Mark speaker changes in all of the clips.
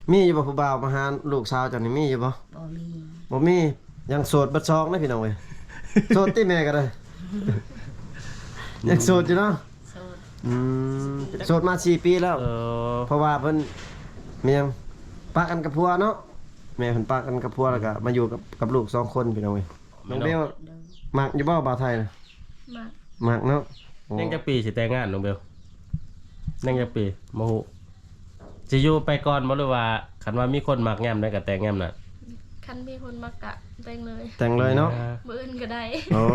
Speaker 1: มีอยู่บ่ผู้บ่าวมาหาลูกสาวเจ้านี่มีอยู่บ่
Speaker 2: บ่มี
Speaker 1: บ่มียังโสดบัดซองนะพี่น้องเว้ยโสดติแม่ก็ได้ยังโสดอยู่เนาะ
Speaker 2: โสด
Speaker 1: อืมโสดมา4ปีแล้วเพราะว่าเพิ่นเมียงปะกันกับผัวเนาะแม่เพิ่นปะกันกับผัวแล้วก็มาอยู่กับลูก2คนพี่น้องเว้ยน้องเบลมักอยู่บ่บ่าวไทยน่ะมักเนาะ
Speaker 3: ยังจะปีสิแต่งงานน้องเบลยังจะปีบ่ฮู้สิอยู่ไปก่อนบ่หรือว่าคันว่ามีคนมักแง้มได้ก็แต่งแง้มน่ะ
Speaker 4: คันมีคนมักกะแต่งเลย
Speaker 1: แต่งเลยเนาะ
Speaker 4: มื้ออื่นก็ได้
Speaker 1: โอ้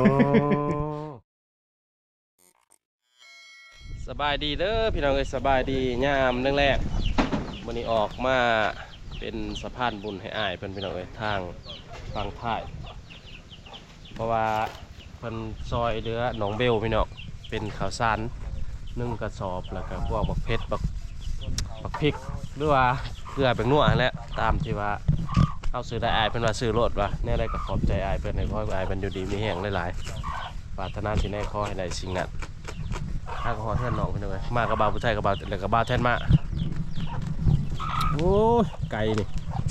Speaker 3: สบายดีเด้อพี่น้องเอ้ยสบายดียามแรกๆมื้อนี้ออกมาเป็นสะพานบุญให้อ้ายเพิ่นพี่น้องเอ้ยทางฝั่งท้ายเพราะว่าเพิ่นซอยเดือหนองเบลพี่น้องเป็นข้าวสาร1กระสอบแล้วก็พวกบักเพชรบักพริกหรือว่าเกลือแป้งนัวนั่นแหละตามที่ว่าเอาซื้อได้อ้ายเพิ่นว่าซื้อรถว่าแน่ได้ก็ขอบใจอ้ายเพิ่นให้ขอให้อ้ายเพิ่นอยู่ดีมีแรงหลายๆปรารถนาสิ่งใดขอให้ได้สิ่งนั้นถ้าก็ขอแทนน้องพี่น้องเอ้ยมากระบาผู้ชายกระบาแล้วก็บ่าวแทนมาโอ้ยไก่นี่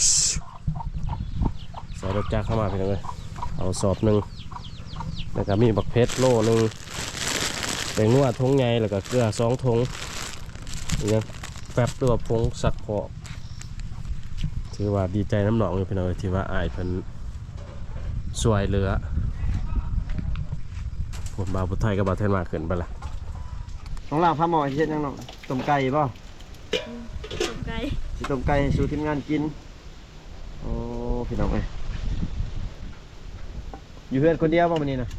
Speaker 3: ใส่รถจักรเข้ามาพี่น้องเอ้ยเอาสอบหนึ่งแล้วก็มีบักเพชรโลหนึ่งแป้งนัวทงใหญ่แล้วก็เกลือ2ทงนี่แป๊บตัวพงสักพอถือว่าดีใจน้ำหนองอยู่พี่น้องที่ว่าอายเพิ่นสวยเรือผมบ่าวผู้ไทยกับบาวแทนมาขึ้นไปละ
Speaker 1: น้องลาวพาหมอเฮ็ดยังน้องต้มไก่บ่
Speaker 4: ต้มไก่
Speaker 1: สิต้มไก่ให้สู่ทีมงานกินโอ้พี่น้องเอ้ยอยู่เฮือนคนเดียวบ่มื้อนี้น่ะ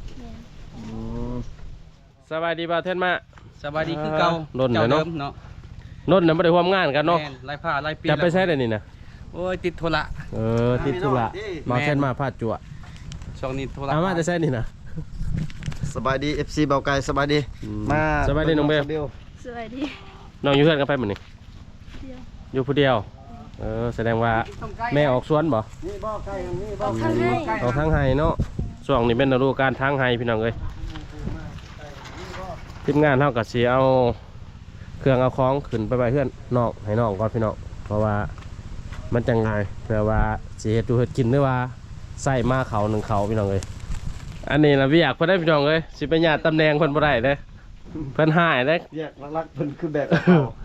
Speaker 3: สบายดีบ่าวแทนมา
Speaker 5: สบายดีคือเก่า
Speaker 3: โน่นเลยเนาะโน่นน่ะไม่ได้ร่วมงานกันเนาะ
Speaker 5: ไล่ผ้าไล่ปี
Speaker 3: จะไปใช้ได้นี่นะ
Speaker 5: โอ้ยติดธุระ
Speaker 3: ติดธุระบ่าวแทนมาพาดจั่ว
Speaker 5: ช่วงนี้ธุระ
Speaker 3: มาจะใช้นี่นะ
Speaker 1: สบายดี FC เบาไก่สบายดีมา
Speaker 3: สบายดีน้องเบล
Speaker 4: สวัสดี
Speaker 3: น้องอยู่เฮือนกันไปมื้อนี้อยู่ผู้เดียวแสดงว่าแม่ออกสวนบ่
Speaker 1: นี่บ่ไก่นี่บ่
Speaker 3: ออกทางไห้เนาะช่วงนี้เป็นฤดูกาลทางไห้พี่น้องเอ้ยทีมงานเท่ากับสีเอาเครื่องเอาของขึ้นไปเพื่อนนอกให้น้องก่อนพี่น้องเพราะว่ามันจังไงเพื่อว่าสีเห็ดดูเห็ดกินหรือว่าใส่มาเขาหนึ่งเขาพี่น้องเลยอันนี้นะพี่อยากเพื่อนได้พี่น้องเลยสิเป็นญาติตำแหน่งเพื่อนบ่ได้เลยเพื่อนหายเลย
Speaker 1: เรียกรักๆเพื่อนคือแบบ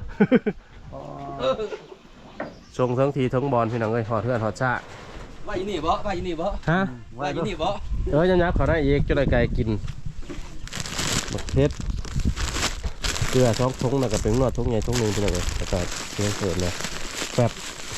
Speaker 3: ชงทั้งทีทั้งบอลพี่น้องเลยหอดเพื่อนหอดชา
Speaker 5: ว่าอยู่นี่บ่ว่าอยู่นี่บ่
Speaker 3: ฮะ
Speaker 5: ว่าอยู่นี่บ่
Speaker 3: ยับเขาได้เอกจะได้ไก่กินบักเพชรเกลือ2ทงแล้วก็เป็นนวดทงใหญ่ทงหนึ่งพี่น้องเลยแล้วก็เชื่อเสริมเลยแป๊บ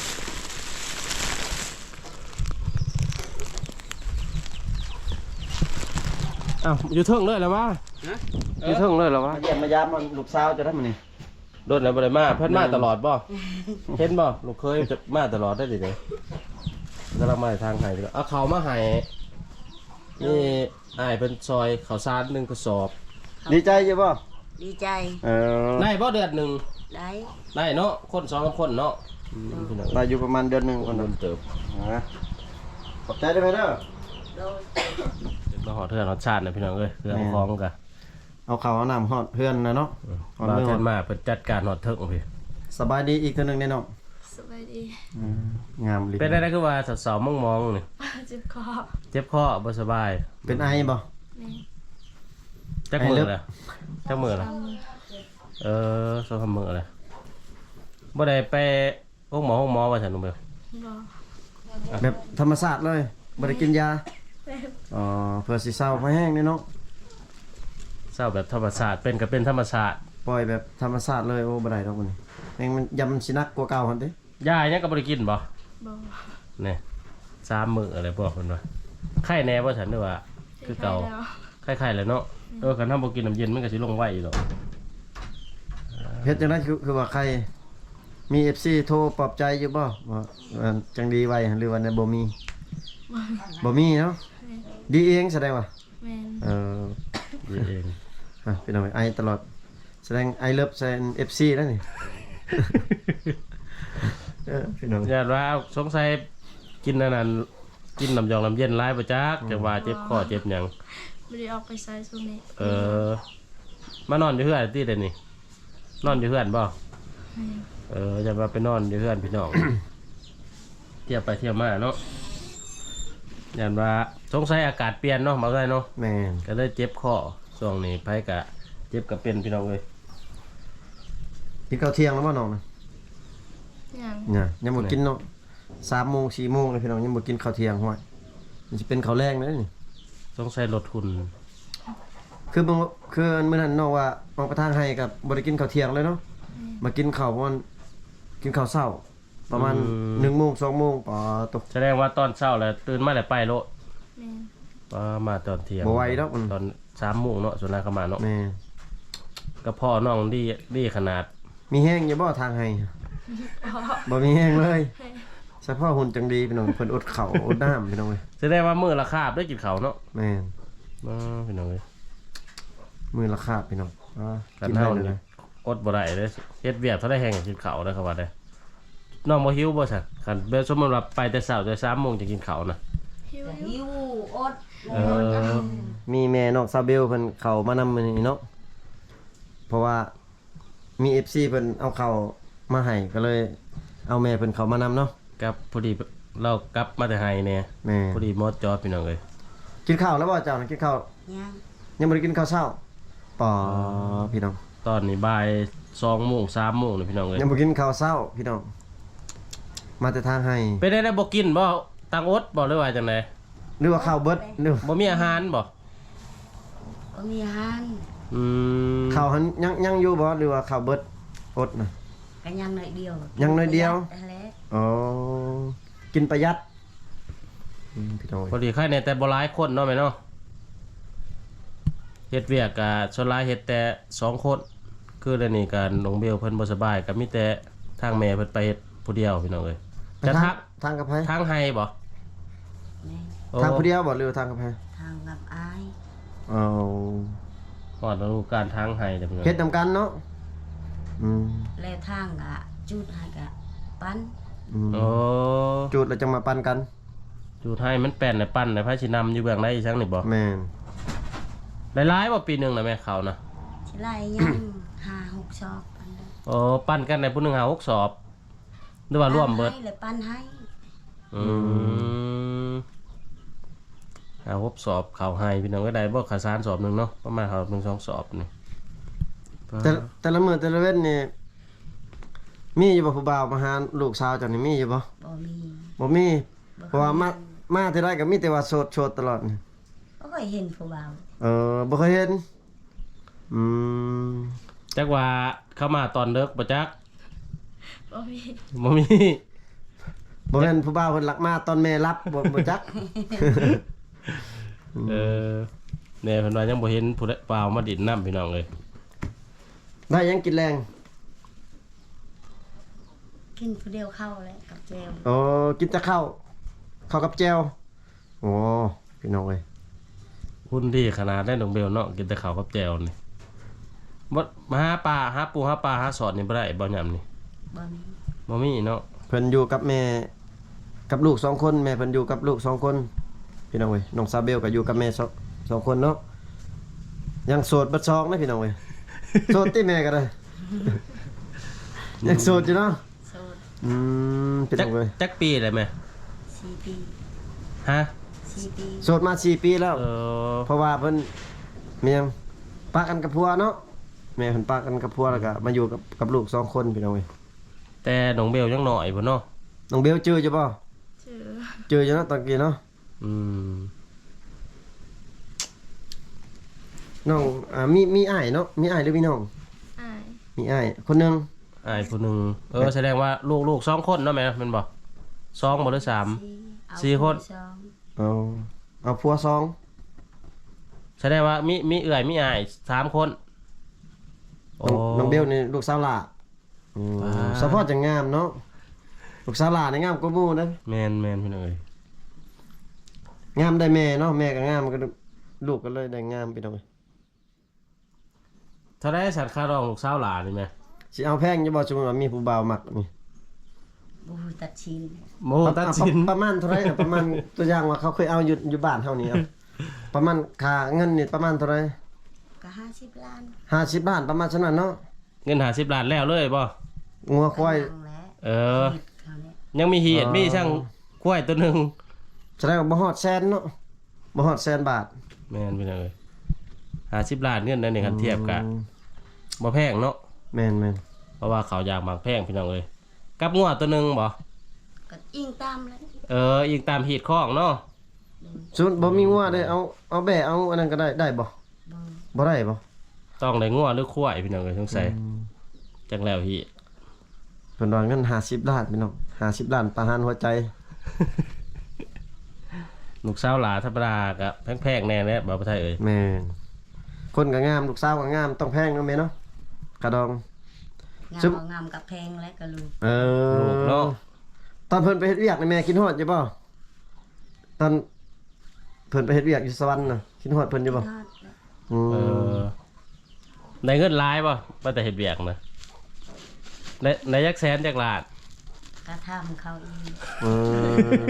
Speaker 3: อ้าวอยู่เทิงเลยแล้ววะอยู่เทิงเลยแล้ววะ
Speaker 1: เยี่ยมมายามมันลูกสาวจะได้มันนี่
Speaker 3: โดนแล้วบ่ได้มาเพิ่นมาตลอดบ่เห็นบ่ลูกเคยจะมาตลอดได้ดิเนี่ยกำลังมาทางไห้เอาเขามาให้นี่อ้ายเป็นซอยข้าวสาร1กระสอบ
Speaker 1: ดีใจอยู่บ่
Speaker 2: ดีใจ
Speaker 3: ได้บ่เดือนหนึ่ง
Speaker 2: ได้
Speaker 3: เนาะคน2คนเนาะ
Speaker 1: ได้อยู่ประมาณเดือนนึงคนนึง
Speaker 3: เติบ
Speaker 1: ขอบใจได้ไหมเด้อ
Speaker 3: มาหอดเทือนหอดชาตินะพี่น้องเอ้ยเรื่องคล้องกัน
Speaker 1: เอาข้าวเอาน้ำหอดเพื่อนนะเนาะ
Speaker 3: บาเทนมาเปิดจัดการหอดเทิงพี่
Speaker 1: สบายดีอีกคนนึงแน่นอน
Speaker 4: สบายดี
Speaker 1: งามลิ้น
Speaker 3: เป็นได้คือว่าสาวมองนี่
Speaker 4: เจ็บค
Speaker 3: อบ่สบาย
Speaker 1: เป็นไอบ่
Speaker 3: จักมือเลยจักมือเลยสองมือเลยบ่ได้ไปห้องหมอว่าฉันนุ่มเบล
Speaker 1: แบบธรรมศาสตร์เลยบ่ได้กินยาเพื่อสิเศร้าไม่แห้งนี่เนาะ
Speaker 3: เศร้าแบบธรรมศาสตร์เป็นก็เป็นธรรมศาสตร์
Speaker 1: ปล่อยแบบธรรมศาสตร์เลยโอ้บ่ได้ดอกนี่เองมันยำสินักกว่าเก่าหั่นเด้
Speaker 3: ยายังก็บ่ได้กินบ่นี่3มื้ออะไรพวกเพิ่นว่าไข้แน่บ่ฉันด้วยว่าคือเก่าไข้ๆเลยเนาะคันทำบ่กินน้ำเย็นมันก็สิลงไวอยู่ดอก
Speaker 1: เฮ็ดจังได๋คือว่าใครมี FC โทรปลอบใจอยู่บ่ว่าจังดีไว้หรือว่าบ่มีเนาะดีเองแสดงว่า
Speaker 4: แม่น
Speaker 3: ดีเอง
Speaker 1: พี่น้องไอตลอดแสดงไอเลิฟแซน FC แล้วนี่พี่น้อง
Speaker 3: ญาติว่าสงสัยกินนั่นกินน้ำยองน้ำเย็นหลายบ่จักจังว่าเจ็บคอเจ็บหยัง
Speaker 4: บ่ได้ออกไปไสช่วงนี้
Speaker 3: มานอนอยู่เฮือนติเด้นี่นอนอยู่เฮือนบ่จะมาไปนอนอยู่เฮือนพี่น้องเที่ยวไปเที่ยวมาเนาะยันว่าสงสัยอากาศเปลี่ยนเนาะบ่ได้เนาะ
Speaker 1: แม่น
Speaker 3: ก็เลยเจ็บคอช่วงนี้ไผก็เจ็บก็เป็นพี่น้องเอ้ย
Speaker 1: กินข้าวเที่ยงแล้วบ่น้องนะ
Speaker 4: ยัง
Speaker 1: เนี่ยยังบ่กินเนาะ3 โมง 4 โมงเลยพี่น้องยังบ่กินข้าวเที่ยงห้วยมันสิเป็นข้าวแรงเลยนี่
Speaker 3: สงสัยลดหุ่น
Speaker 1: คือมื้อนั้นน้องว่าออกไปทางให้กับบ่ได้กินข้าวเที่ยงเลยเนาะมากินข้าวประมาณกินข้าวเช้าประมาณ1 โมง 2 โมงปอตก
Speaker 3: แสดงว่าตอนเช้าแล้วตื่นมาแล้วไปโลด
Speaker 4: แม่น
Speaker 3: มาตอนเที่ยง
Speaker 1: บ่ไหวดอก
Speaker 3: ตอน3 โมงเนาะส่วนนางเข้ามาเนาะ
Speaker 1: แม่
Speaker 3: กระเพาะน้องดีขนาด
Speaker 1: มีแห้งอยู่บ่ทางให้บ่มีแห้งเลยเฉพาะหุ่นจังดีพี่น้องเพิ่นอดข้าวอดน้ำพี่น้องเอ้ย
Speaker 3: แสดงว่ามื้อละคาบได้กินข้าวเนาะ
Speaker 1: แม่น
Speaker 3: พี่น้องเอ้ย
Speaker 1: มื้อละคาบพี่น้อง
Speaker 3: กัน
Speaker 1: กินได้
Speaker 3: เฮา
Speaker 1: เลย
Speaker 3: นี่
Speaker 1: นะ
Speaker 3: อดบ่ได้เด้เฮ็ดเวียกเท่าได้แห้งกินข้าวได้ครับว่าได้น้องบ่หิวบ่ซะคันเบลสมมุติว่าไปแต่เช้าแต่3 โมงจะกินข้าวนะ
Speaker 4: หิว
Speaker 2: หิวอด
Speaker 3: เออ
Speaker 1: มีแม่น้องซาเบลเพิ่นเข้ามานำมื้อนี้เนาะเพราะว่ามี FC เพิ่นเอาเข้าวมาให้ก็เลยเอาแม่เพิ่นเข้ามานำเนาะ
Speaker 3: กับพอดีเรากลับมาแต่ไห้เนี่ย
Speaker 1: แม่
Speaker 3: พอดีมอดจอพี่น้องเอ้ย
Speaker 1: กินข้าวแล้วบ่เจ้าน่ะกินข้าว
Speaker 2: ยัง
Speaker 1: ยังบ่ได้กินข้าวเช้าปอพี่น้อง
Speaker 3: ตอนนี้บ่าย2 โมง 3 โมงนี่พี่น้องเอ้ย
Speaker 1: ยังบ่กินข้าวเช้าพี่น้องมาแต่ทางให้
Speaker 3: เป็นได้บ่กินบ่ตังอดบ่หรือว่าจังได๋
Speaker 1: หรือว่าข้าวเบิดหรือ
Speaker 3: บ่มีอาหารบ่
Speaker 2: ก็มีอาหาร
Speaker 3: อืม
Speaker 1: ข้าวหันยังอยู่บ่หรือว่าข้าวเบิดอดน่ะ
Speaker 2: ก็ยังหน่อยเดียว
Speaker 1: ยังหน่อยเดียว
Speaker 2: นั่นแหละ
Speaker 1: อ๋อกินประหยัดพี่น้อง
Speaker 3: พอดีใครในแต่บ่หลายคนเนาะแม่เนาะเฮ็ดเวียกก็ส่วนหลายเฮ็ดแต่2 คนคือเดี๋ยวนี้ก็น้องเบลเพิ่นบ่สบายก็มีแต่ทางแม่เพิ่นไปเฮ็ดผู้เดียวพี่น้องเอ้ยจะทัก
Speaker 1: ทางกับไผ
Speaker 3: ทางให้บ่
Speaker 2: แม่
Speaker 3: โอ้
Speaker 1: ทางผู้เดียวบ่หรือว่าทางกับไผ
Speaker 2: ทางกับอาย
Speaker 1: อ๋อ
Speaker 3: ฮอดฤดูกาลทางให้เด้อพี่น้อง
Speaker 1: เฮ็ดนำกันเนาะอืม
Speaker 2: และทางกะจุดให้กะปั้น
Speaker 1: อืม
Speaker 3: โอ้
Speaker 1: จุดแล้วจะมาปันกัน
Speaker 3: จูดให้มันแป้นในปั้นในพระชินำอยู่เบื้องในอีสังนี่บ่
Speaker 1: แม่น
Speaker 3: หลายๆบ่ปีหนึงนะแม่เขานะ
Speaker 2: สิไล่ยัง5-6ชอบปั้นได้
Speaker 3: โอ้ปั้นกันในผู้หนึงหา6 สอบหรือว่าร่วมเบิด
Speaker 2: ให้และปั้นให้
Speaker 3: อืมหา6 สอบเขาให้พี่น้องก็ได้บ่ข้าวสารสอบหนึงเนาะประมาณเขา1 2 สอบนี่
Speaker 1: แต่ละมื้อแต่ละเว้นนี่มีอยู่บ่ผู้บ่าวมาหาลูกสาวเจังนี่มีอยู่บ่
Speaker 2: บ่มี
Speaker 1: บ่มีเพราะว่ามาเท่าไรก็มีแต่ว่าโสดตลอดนี่
Speaker 2: บ่เคยเห็นผู้บ่าว
Speaker 1: บ่เคยเห็นอืม
Speaker 3: จักว่าเข้ามาตอนเลิกบ่จัก
Speaker 4: บ่มี
Speaker 3: บ่มี
Speaker 1: บ่แม่นผู้บ่าวเพิ่นลักมาตอนแม่รับบ่จัก
Speaker 3: เออแน่เพิ่นว่ายังบ่เห็นผู้ใดเปล่ามาดินน้ำพี่น้องเลย
Speaker 1: ได้ยังกินแรง
Speaker 2: กินผู้เดียวเข้าแล้วกับแจว
Speaker 1: อ๋อกินแต่ข้าวกับแจ่วโอ้พี่น้องเอ้ย
Speaker 3: หุ่นดีขนาดได้น้องเบลเนาะกินแต่ข้าวกับแจ่วนี่บ่มาหาปลาหาปูหาปลาหาสอดนี่บ่ได้บ่ยามนี่
Speaker 2: บ่มี
Speaker 3: บ่มีเนาะ
Speaker 1: เพิ่นอยู่กับแม่กับลูก2 คนแม่เพิ่นอยู่กับลูก2 คนพี่น้องเอ้ยน้องซาเบลก็อยู่กับแม่สองคนเนาะยังโสดเบัดซองนะพี่น้องเอ้ยโสดติแม่ก็ได้ ยังโสดอยู่เนาะ
Speaker 2: โสด
Speaker 1: พี่
Speaker 3: จั
Speaker 1: น้
Speaker 3: ก
Speaker 1: องเอ้ย
Speaker 3: จักปีได้ไหม
Speaker 2: 4 ปี
Speaker 3: ฮะ
Speaker 2: 4 ปี
Speaker 1: โสดมา4 ปีแล้ว
Speaker 3: เออ
Speaker 1: เพราะว่าเพิ่นเมียงปะกันกับผัวเนาะแม่เพิ่นปะกันกับผัวแล้วก็มาอยู่กับลูก2 คนพี่น้องเอ้ย
Speaker 3: แต่น้องเบลยังน้อยพุ่นเนาะ
Speaker 1: น้องเบลเจออยู่บ่
Speaker 4: ชื่อ
Speaker 1: เจออยู่เนาะตอนกี้เนาะ
Speaker 3: อืม
Speaker 1: น้องมีอ้ายเนาะมีอ้ายหรือมีน้อง
Speaker 4: อ้าย
Speaker 1: มีอ้ายคนหนึง
Speaker 3: อ้ายผู้หนึงแสดงว่าลูก2 คนเนาะแม่แม่นบ่2บ่หรือ3 4 คน
Speaker 1: เอาผัว2
Speaker 3: แสดงว่ามีเอื้อยมีอ้าย3 คนโอ้
Speaker 1: น้องเบลนี่ลูกสาวหล่าสะโพกจังงามเนาะลูกสาวหล่านี่งามกว่าหมู่นะ
Speaker 3: แม่นพี่น้องเอ้ย
Speaker 1: งามได้แม่เนาะแม่ก็งามก็ลูกก็เลยได้งามพี่น้องเอ้ย
Speaker 3: เท่าได้สัตว์ค่ารองลูกสาวหลานนี่แม่
Speaker 1: สิเอาแพงอยู่บ่สมมุติว่ามีผู้บ่าวมักนี่
Speaker 2: บ่ฮู้ตัดชิน
Speaker 3: โมตัดสิน
Speaker 1: ประมาณเท่าไหร่น่ะประมาณตัวอย่างว่าเขาเคยเอาอยู่บ้านเฮานี่เอาประมาณค่าเงินนี่ประมาณเท่าไหร่
Speaker 2: ก็50 ล้าน
Speaker 1: 50 ล้านประมาณฉะนั้นเนาะ
Speaker 3: เงิน50 ล้านแล้วเลยบ่
Speaker 1: งัวควาย
Speaker 2: กำลังแล้ว
Speaker 3: เออ
Speaker 2: ผิดเขาเนี่ย
Speaker 3: ยังมีเหียดมีช่างกล้วยตัวหนึง
Speaker 1: แสดงว่าบ่ฮอดแสนเนาะบ่ฮอดแสนบาท
Speaker 3: แม่นพี่น้องเอ้ย50ล้านเงินนั่นนี่คันเทียบกะบ่แพงเนาะ
Speaker 1: แม่น
Speaker 3: เพราะว่าเขาอยากบางแพงพี่น้องเอ้ยกับงัวตัวหนึงบ่
Speaker 2: ก็อิงตามเลย
Speaker 3: อีกตามหีดข้องเนาะ
Speaker 1: ๆส่วนบ่มีงัวได้เอาแบะเอาอันนั้นก็ได้บ่
Speaker 2: บ่
Speaker 1: บ่ได้บ่
Speaker 3: ต้องได้งัวหรือควายพี่น้องเอ้ยสงสัยจังแล้วพี่
Speaker 1: เพิ่นว่าเงิน50ล้านพี่น้อง50ล้านประหารหัวใจ
Speaker 3: ลูกสาวหลาธรรมดาก็แพงๆแน่แน่บ่าวไทยเอ้ย
Speaker 1: แม่นคนก็งามลูกสาวก็งามต้องแพงเนาะแม่เนาะกระดอง
Speaker 2: งาม
Speaker 1: ซึ่ง
Speaker 2: บ่งามกับแพงแล้วก็ลูก
Speaker 3: ลูกเนาะ
Speaker 1: ตอนเพิ่นไปเฮ็ดเวียกนี่แม่คิดฮอดอยู่บ่ตอนเพิ่นไปเฮ็ดเวียกอยู่สวรรค์น่ะคิดฮอดเพิ่นอยู่บ่
Speaker 2: ทอดแล้ว
Speaker 1: อืม
Speaker 3: ได้เงินหลายบ่บ่แต่เฮ็ดเวียกนะได้จักแสนจักล้าน
Speaker 2: ก็ทำเขาอีก
Speaker 1: เออ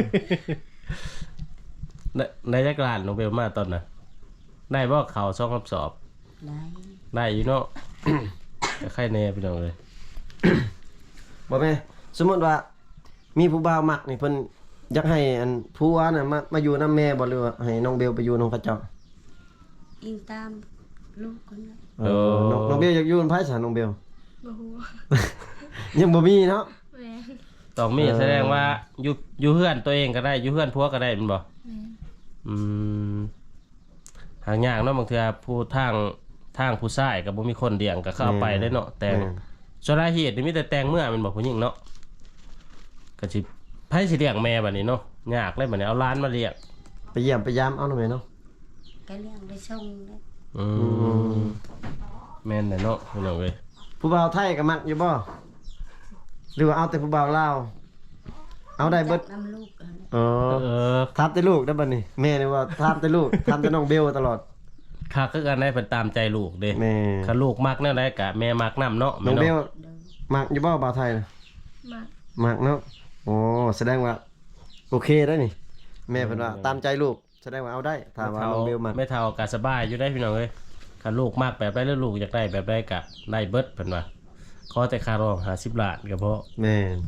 Speaker 3: ได้จักล้านน้องเบลมาตอนน่ะได้บ่เขา2คำสอบ
Speaker 2: ได้
Speaker 3: ได้อยู่เนาะ ก็ใครแน่พี่น้องเอ้ย
Speaker 1: บ่แม่สมมุติว่ามีผู้บ่าวมักนี่เพิ่นอยากให้อันผัวน่ะมาอยู่นำแม่บ่หรือว่าให้น้องเบลไปอยู่นำเขาเจ้า
Speaker 2: อิงตามลูกคนนั้น
Speaker 1: น้องเบลอยากอยู่นำไผซะน้องเบล
Speaker 4: บ่ฮู้
Speaker 1: ยังบ่มีเนาะ
Speaker 4: แม่น
Speaker 3: ต้องมีแสดงว่าอยู่เฮือนตัวเองก็ได้อยู่เฮือนผัวก็ได้แม่นบ่
Speaker 4: แม่น
Speaker 3: อืมหางยากเนาะบางเทื่อผู้ทางผู้ชายก็บ่มีคนเลี้ยงก็เข้าไปได้เนาะแต่งสาเหตุนี่มีแต่แต่งเมื่อแม่นบ่ผู้หญิงเนาะก็สิไผสิเลี้ยงแม่บัดนี้เนาะยากเลยบัดนี้เอาหลานมาเลี้ยง
Speaker 1: ไปเยี่ยมไปยามเอาหน่อยเนาะ
Speaker 2: ก็เลี้ยงไปส่งเลย
Speaker 3: อืมแม่นแหละเนาะพี่น้องเอ้ย
Speaker 1: ผู้บ่าวไทยก็มักอยู่บ่หรือว่าเอาแต่ผู้บ่าวลาวเอาได้เบิด
Speaker 2: จัน้ำลูกอันนั้น
Speaker 1: เออ
Speaker 3: เออ
Speaker 1: ถามแต่ลูกได้บัดนี้แม่นี่ว่าถามแต่ลูกถามแต่น้องเบลตลอด
Speaker 3: คักคือกันได้เพิ่นตามใจลูกเด้
Speaker 1: แม่
Speaker 3: คันลูกมักแนวใดก็แม่มักนํเนาะ
Speaker 1: น้องเบล
Speaker 3: แม่นาะ
Speaker 2: เดิน
Speaker 1: มักอยู่บ่บ่าวไทยน่ะ
Speaker 4: มัก
Speaker 1: มักเนาะโอ้แสดงว่าโอเคได้นี่แม่เพิ่นว่าตามใจลูกแสดงว่าเอาได้ถ้าว่าน้องเบลมัก
Speaker 3: ไม่เท่าก็สบายอยู่ได้พี่น้องเอ้ยคันลูกมักแบบใดแล้วลูกอยากได้แบบใดก็ได้เบิดเพิ่นว่าขอแต่ค่ารอง50ล้านก็พอ
Speaker 1: แม่น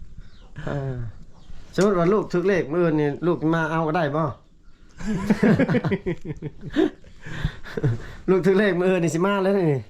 Speaker 1: สมมุติว่าลูกถึกเลขมื้อนี่ลูกมาเอาก็ได้บ่ ลูกถึกเลขมื้อนี่สิมาเลยนี่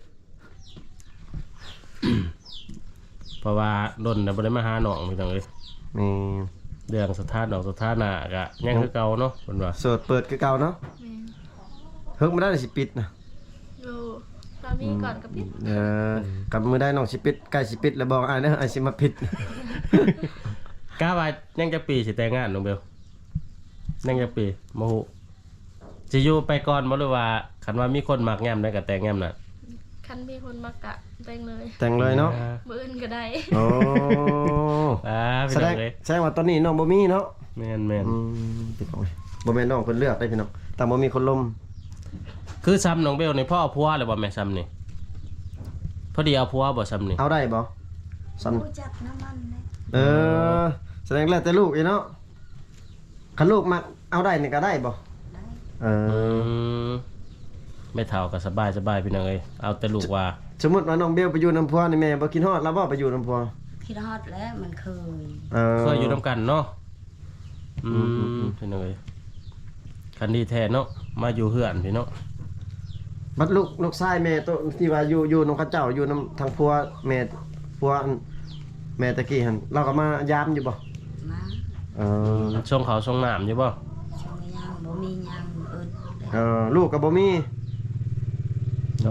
Speaker 3: เพราะว่าดนน่ะบ่ได้มาหาน้องพี่น้องเอ้ย
Speaker 1: นี่
Speaker 3: เรื่องสถานะสถานะก็ยังคือเก่าเนาะเพิ่นว่า
Speaker 1: โสดเปิดคือเก่าเนาะ
Speaker 4: แม่น
Speaker 1: เฮิกมาได้สิปิดนะ
Speaker 4: อยู่เรามีก่อนกับพี่
Speaker 1: กับมือได้น้องสิปิดใกล้สิปิดแล้วบอกอ้ายเด้ออ้ายสิมาปิด
Speaker 3: กล้าว่ายังจะปีสิแต่งงานน้องเบลยังจะปีบ่ฮู้สิอยู่ไปก่อนบ่หรือว่าคันว่ามีคนมักแง้มได้ก็แต่งแง้มน่ะ
Speaker 4: คันมีคนมากะแต่งเลย
Speaker 1: แต่งเลยเนาะ
Speaker 4: มื้ออื่นก็ได้
Speaker 1: โอ้
Speaker 3: พี่
Speaker 1: แสด
Speaker 3: น้อง งเอ้ย
Speaker 1: แสดงว่าตอนนี้น้องบ่มีเนาะ
Speaker 3: แม่น
Speaker 1: พี่น้องบ่แม่นน้องเพิ่นเลือกได้พี่น้องแต่บ่มีคนลม
Speaker 3: ๆคือซ้ำน้องเบลนี่พ่อเอาผัวหรือบ่แม่ซ้ำนี่พอดีเอาผัวบ่ซ้ำนี่
Speaker 1: เอาได้บ่สัน
Speaker 2: รู้จักน้ำมันเลย
Speaker 1: แสดงแล้วแต่ลูกอีเนาะคันลูกมักเอาได้นี่ก็ได้บ่
Speaker 2: ได้
Speaker 3: มไม่เท่าก็สบายพี่น้องเอ้ยเอาแต่ลูกว่า
Speaker 1: สมมุติว่าน้องเบลไปอยู่นำพัวนี่แม่บ่คิดฮอดแล้วบ่ไปอยู่นำพัว
Speaker 2: คิดฮอดแล้วมันเคย
Speaker 3: เคยอยู่นํกันเนาะพี่น้องเอ้ยคันดีแท้เนาะมาอยู่เฮือนพี่เนาะ
Speaker 1: บัดลูกชายแม่ตัวที่ว่าอยู่นำเขาเจ้าอยู่นำทางพัวแม่พัวอันแม่ตะกี้หั่นเราก็มายามอยู่บ่
Speaker 2: มา
Speaker 3: ช่วงเขาช่วงน้ำอยู่บ่
Speaker 2: ช่วงยามบ่มียามเอิ้น
Speaker 1: ลูกก็บ่มี
Speaker 3: โอ้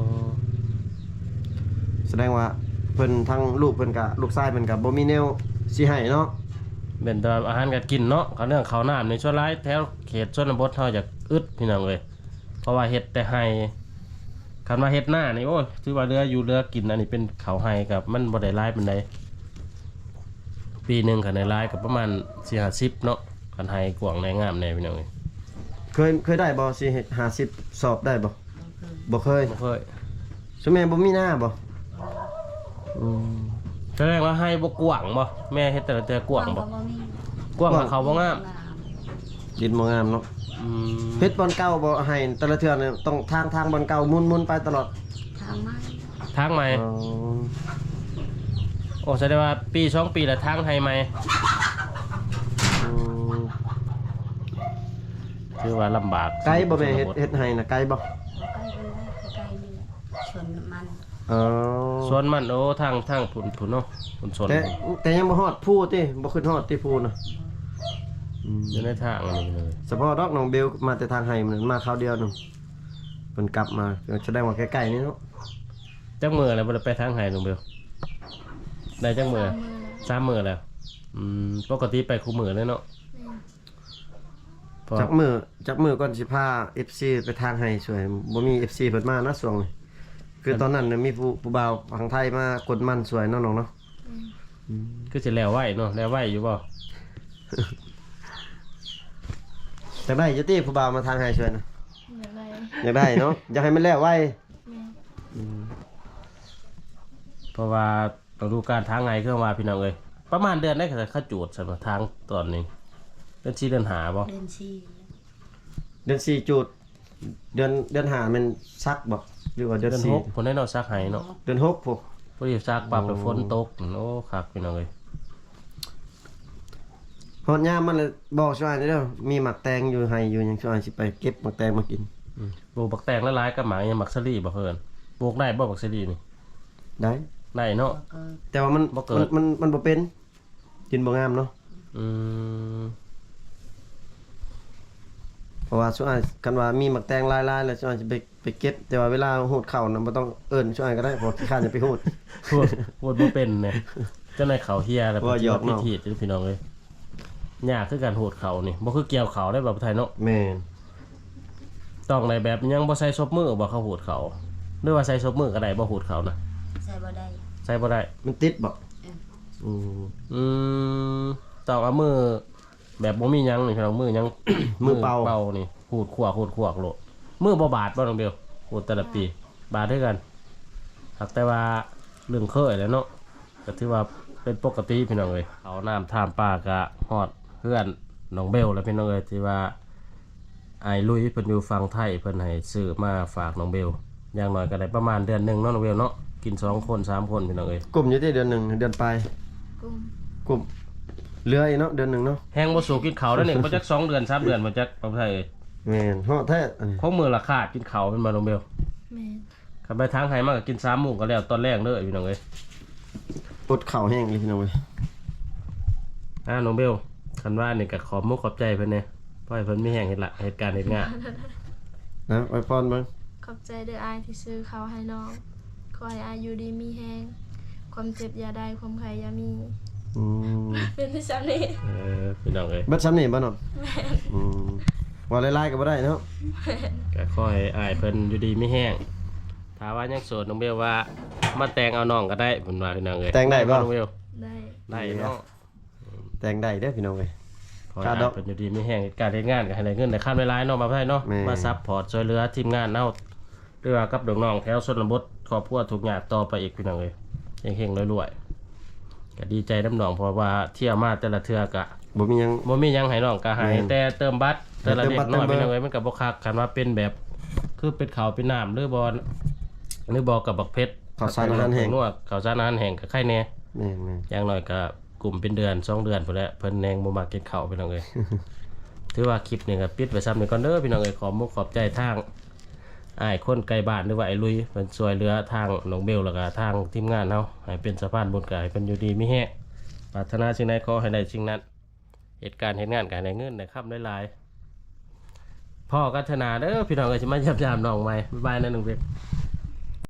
Speaker 1: แสดงว่าเพิ่นทั้งลูกเพิ่นกับลูกชายเพิ่นกับบ่มีแนวสิให้เนาะ
Speaker 3: เป็นแต่อาหารการกินเนาะเขาเรื่องเขาวน้ำในช่วงร้ายแถวเขตชนบทเฮาจะอึดพี่น้องเอ้ยเพราะว่าเฮ็ดแต่ให้คันว่าเฮ็ดหน้านี่โอ้ยถือว่าเรืออยู่เรือกินอันนี้เป็นเขาวให้กับมันบ่ได้หลายปานใดปีหนึงคันได้หลายก็ประมาณ4-50เนาะคันให้กว้างในงามแน่พี่น้องเอ้ย
Speaker 1: เคยได้บ่สิ50สอบได้บ่
Speaker 2: บ่เคย
Speaker 1: บ่เคย
Speaker 3: บ่เคย
Speaker 1: ซุแม่บ่มีหน้าบ่อืม
Speaker 3: แสดงว่าให้บ่กว้างบ่แม่เฮ็ดแต่ละเทื่อกว้างบ่
Speaker 2: บ่มี
Speaker 3: กว้างกับเขาบ่งาม
Speaker 1: ดินบ่งามเนาะ
Speaker 3: อืม
Speaker 1: เฮ็ดบอลเก่าบ่ให้แต่ละเทื่อนี่ต้องทางบอลเก่าหมุนๆไปตลอด
Speaker 2: ทางไม้
Speaker 3: ทางใหม่
Speaker 1: อ๋อ
Speaker 3: โอ้แสดงว่าปี2 ปีละทางให้ไหม
Speaker 1: อืม
Speaker 3: คือว่าลำบาก
Speaker 1: ไกลบ่แม่เฮ็ดให้นะไกลบ่
Speaker 2: ใกล้กันแล้วใกล้นี่แหละชวนมัน
Speaker 1: อ๋อ
Speaker 3: ส่วนมันโอ้ทางผุนเนาะผุนสน
Speaker 1: แต่ยังบ่ฮอดผู้ติบ่ขึ้นฮอดที่ผู้น่ะอืม
Speaker 3: อยู่ในทางอันนี้เลย
Speaker 1: เฉพาะดอกน้องเบลมาแต่ทางไห้มันมาคราวเดียวนึงเพิ่นกลับมาแสดงว่าใกล้ๆนี่เนาะ
Speaker 3: จักมือแล้วบ่ได้ไปทางไหนลุงเบลได้จักมือ
Speaker 4: 3 มื้อแล้ว
Speaker 3: 3 มื้อแล้วปกติไปคู่มื้อเลยเนาะ
Speaker 4: แม่น
Speaker 3: เพราะ
Speaker 1: จักมือก่อนสิพา FC ไปทางไห้ช่วยบ่มี FC เพิ่นมานะช่วงนี้คือตอนนั้นน่ะมีผู้บ่าวทางไทยมากดมันสวยเนาะน้องเนาะ
Speaker 3: คือสิแล้วไหวเนาะแล้วไหวอยู่บ่
Speaker 1: จักได้อยู่ติผู้บ่าวมาทางไห้ช่วยนะ
Speaker 4: อย่างไร
Speaker 1: อยากได้เนาะอยากให้มันแล้วไว
Speaker 4: แม่น
Speaker 3: เพราะว่าต้องดูการทางไงเครื่องว่าพี่น้องเอ้ยประมาณเดือนได้ก็เขาจูดสำหรับทางตอนนี้เดือน4เดือน5บ่
Speaker 2: เดินชี
Speaker 1: เดือน4จุดเดือน5มันซักบ่หรือว่าเดือน
Speaker 3: เดือน
Speaker 1: 4
Speaker 3: 6คนได้เนาะซักให้เนาะ
Speaker 1: เดือน6พุ่น
Speaker 3: พอดีซักปรับแล้วฝนตกโอ้คักพี่น้องเอ้ย
Speaker 1: ฮอดยามมันเลยบอกช่วยเด้อมีหมักแตงอยู่ไห้อยู่หยังช่วยสิไปเก็บหมักแตงมากิน
Speaker 3: ปลูกบักแตงละลายกับหมายังมักสลีบ่เพิ่นปลูกได้บ่บักสลีนี่
Speaker 1: ได้
Speaker 3: ได้เนาะ
Speaker 2: ก็
Speaker 1: แต่ว่ามัน
Speaker 3: บ่เกิด
Speaker 1: มันบ่เป็นกินบ่งามเนาะ
Speaker 3: อืม
Speaker 1: เพราะว่าช่วงกันว่ามีหมักแตงลายๆแล้วช่วงจะไปเก็บแต่ว่าเวลาหูดเข่าน่ะบ่ต้องเอิ้นช่วงก็ได้เพราะขี้ข้านจะไปหูด
Speaker 3: พูดบ่เป็นเนี่ยเจ้านายเขาเฮียแล้ว
Speaker 1: ว่าหยอก
Speaker 3: พิ
Speaker 1: เนาะ
Speaker 3: ธีจ้ะพี่น้องเอ้ยยากคือการโหดเขานี่บ่คือเกี่ยวเขาได้แบบไทยเนาะ
Speaker 1: แม่น
Speaker 3: ต้องในแบบยังบ่ใส่ซบมือบ่เขาโหดเขาหรือว่าใส่ซบมือก็ได้บ่โหดเขานะ
Speaker 2: ใส่บ่ได้
Speaker 3: ใส่บ่ได้
Speaker 1: มันติดบ่อืม
Speaker 3: อืมต้องเอามือแบบบ่มีหยังนี่พี่น้องมือหยัง
Speaker 1: มือเป่า
Speaker 3: นี่หูดขวากโลดมือบ่บาดบ่น้องเบลหูดแต่ละปีบาดด้วยกันหากแต่ว่าเรื่องเคยแหล้วเนาะก็ถือว่าเป็นปกติพี่น้องเอ้ยเอาน้ำท่ามปลากะฮอดเพื่อนน้องเบลแล้วพี่น้องเอ้ยที่ว่าไอ้ลุยเพิ่นอยู่ฝั่งไทยเพิ่นให้ซื้อมาฝากน้องเบลอย่างน้อยก็ได้ประมาณเดือนหนึงเนาะน้องเบลเนาะกิน2คน3คนพี่น้องเอ้ย
Speaker 1: กลุ่มอยู่ที่เดือนหนึงเดือนปลาย
Speaker 4: กุม
Speaker 1: กลุ่มเหลืออีกเนาะเดือนหนึงเนาะ
Speaker 3: แฮงบ่สู่กินข้าวแล้วนี่บ่จัก2 เดือน3 เดือนบ่จักประเทศเอ้ย
Speaker 1: แม่นฮอดแท้อันนี้
Speaker 3: ของมือละขาดกินข้าวเป็นมาน้องเบล
Speaker 4: แม่น
Speaker 3: ขับไปทางไห้มากก็กิน3 หมู่ก็แล้วตอนแรกเด้อพี่น้องเอ้ย
Speaker 1: ปวดเข่าแห้งเลยพี่น้องเว้ย
Speaker 3: น้องเบลคันว่านี่ก็ขอบมุกขอบใจเพิ่นแน่เพราะให้เพิ่นมีแห่งเหตุการณ์เฮ็ดงาน
Speaker 1: นะไว้พรเบิ่ง
Speaker 4: ขอบใจเด้ออายที่ซื้อเขาวให้น้องขอให้อายอยู่ดีมีแฮงความเจ็บอย่าได้ความไข้อย่ามี
Speaker 1: อืม
Speaker 4: เป็นที่ซ้ำนี่
Speaker 3: พี่น้องเอ้ย
Speaker 1: เบิดซ้ำนี่บ่เนาะอืมว่าหลายๆก็บ่ได้เนาะ
Speaker 3: ก็ขอให้อ้ายเพิ่นอยู่ดีมีแห้งถ้าว่ายังโสดน้องเบลว่ามาแต่งเอาน้องก็ได้เพิ่นว่าพี่น้องเอ้ย
Speaker 1: แต่งได้บ่
Speaker 3: น้องเบล
Speaker 4: ได้
Speaker 3: ได้เนาะ
Speaker 1: แต่งได้เด้อพี่น้องเว้ย
Speaker 3: ขอให้
Speaker 1: ค่า
Speaker 3: อ้าย
Speaker 1: ดอก
Speaker 3: เพิ่นอยู่ดีมีแห้งเหตุการณ์เฮ็ดงานก็ให้ได้เงินได้ค่าเวลาเนาะมาไผเนาะ
Speaker 1: แม่
Speaker 3: มาซัพพอร์ตช่วยเหลือทีมงานเฮาหรือว่ากับน้องๆแถวชนบทครอบครัวทุกอย่างต่อไปอีกพี่น้องเอ้ยเฮงๆรวยๆก็ดีใจน้ำน้องเพราะว่าเที่ยวมาแต่ละเทื่อก็
Speaker 1: บ่มีหยัง
Speaker 3: บ่มีหยังให้น้องก็ให้
Speaker 1: แม่น
Speaker 3: แต่เติมบัตรแต่ละ
Speaker 1: เติม
Speaker 3: เด็ก
Speaker 1: บัตร
Speaker 3: น้อย
Speaker 1: เติมเบอร์
Speaker 3: เป็นยังไงมันก็บ่คักคันว่าเป็นแบบคือเป็นข้าวเป็นน้ำหรือบ่กับบักเพชร
Speaker 1: ข้าวสารอาหารแห้ง
Speaker 3: นวดข้าวสารอาหารแห้งก็ไข่แน่
Speaker 1: แม่น
Speaker 3: อย่างน้อยก็กลุ่มเป็นเดือน2 เดือนพุ่นแหละเพิ่นแนงบ่มักกินข้าวพี่น้องเอ้ย ถือว่าคลิปนี้ก็ปิดไว้ซ้ำนี่ก่อนเด้อพี่น้องเอ้ยขอมุกขอบใจทางอ้ายคนไกลบ้านหรือว่าไอ้ลุยเพิ่นช่วยเหลือทางน้องเบลแล้วก็ทางทีมงานเฮาให้เป็นสะพานบุญกายเพิ่นอยู่ดีมีแฮงปรารถนาสิ่งใดขอให้ได้สิ่งนั้น เหตุการณ์เห็นงานการได้เงินได้ครับได้หลายพ่อกัฒนาเด้อพี่น้องเอ้ยสิมายับยามน้องใหม่บ๊ายบายนะหนึ่งเพ็ก
Speaker 1: ๆ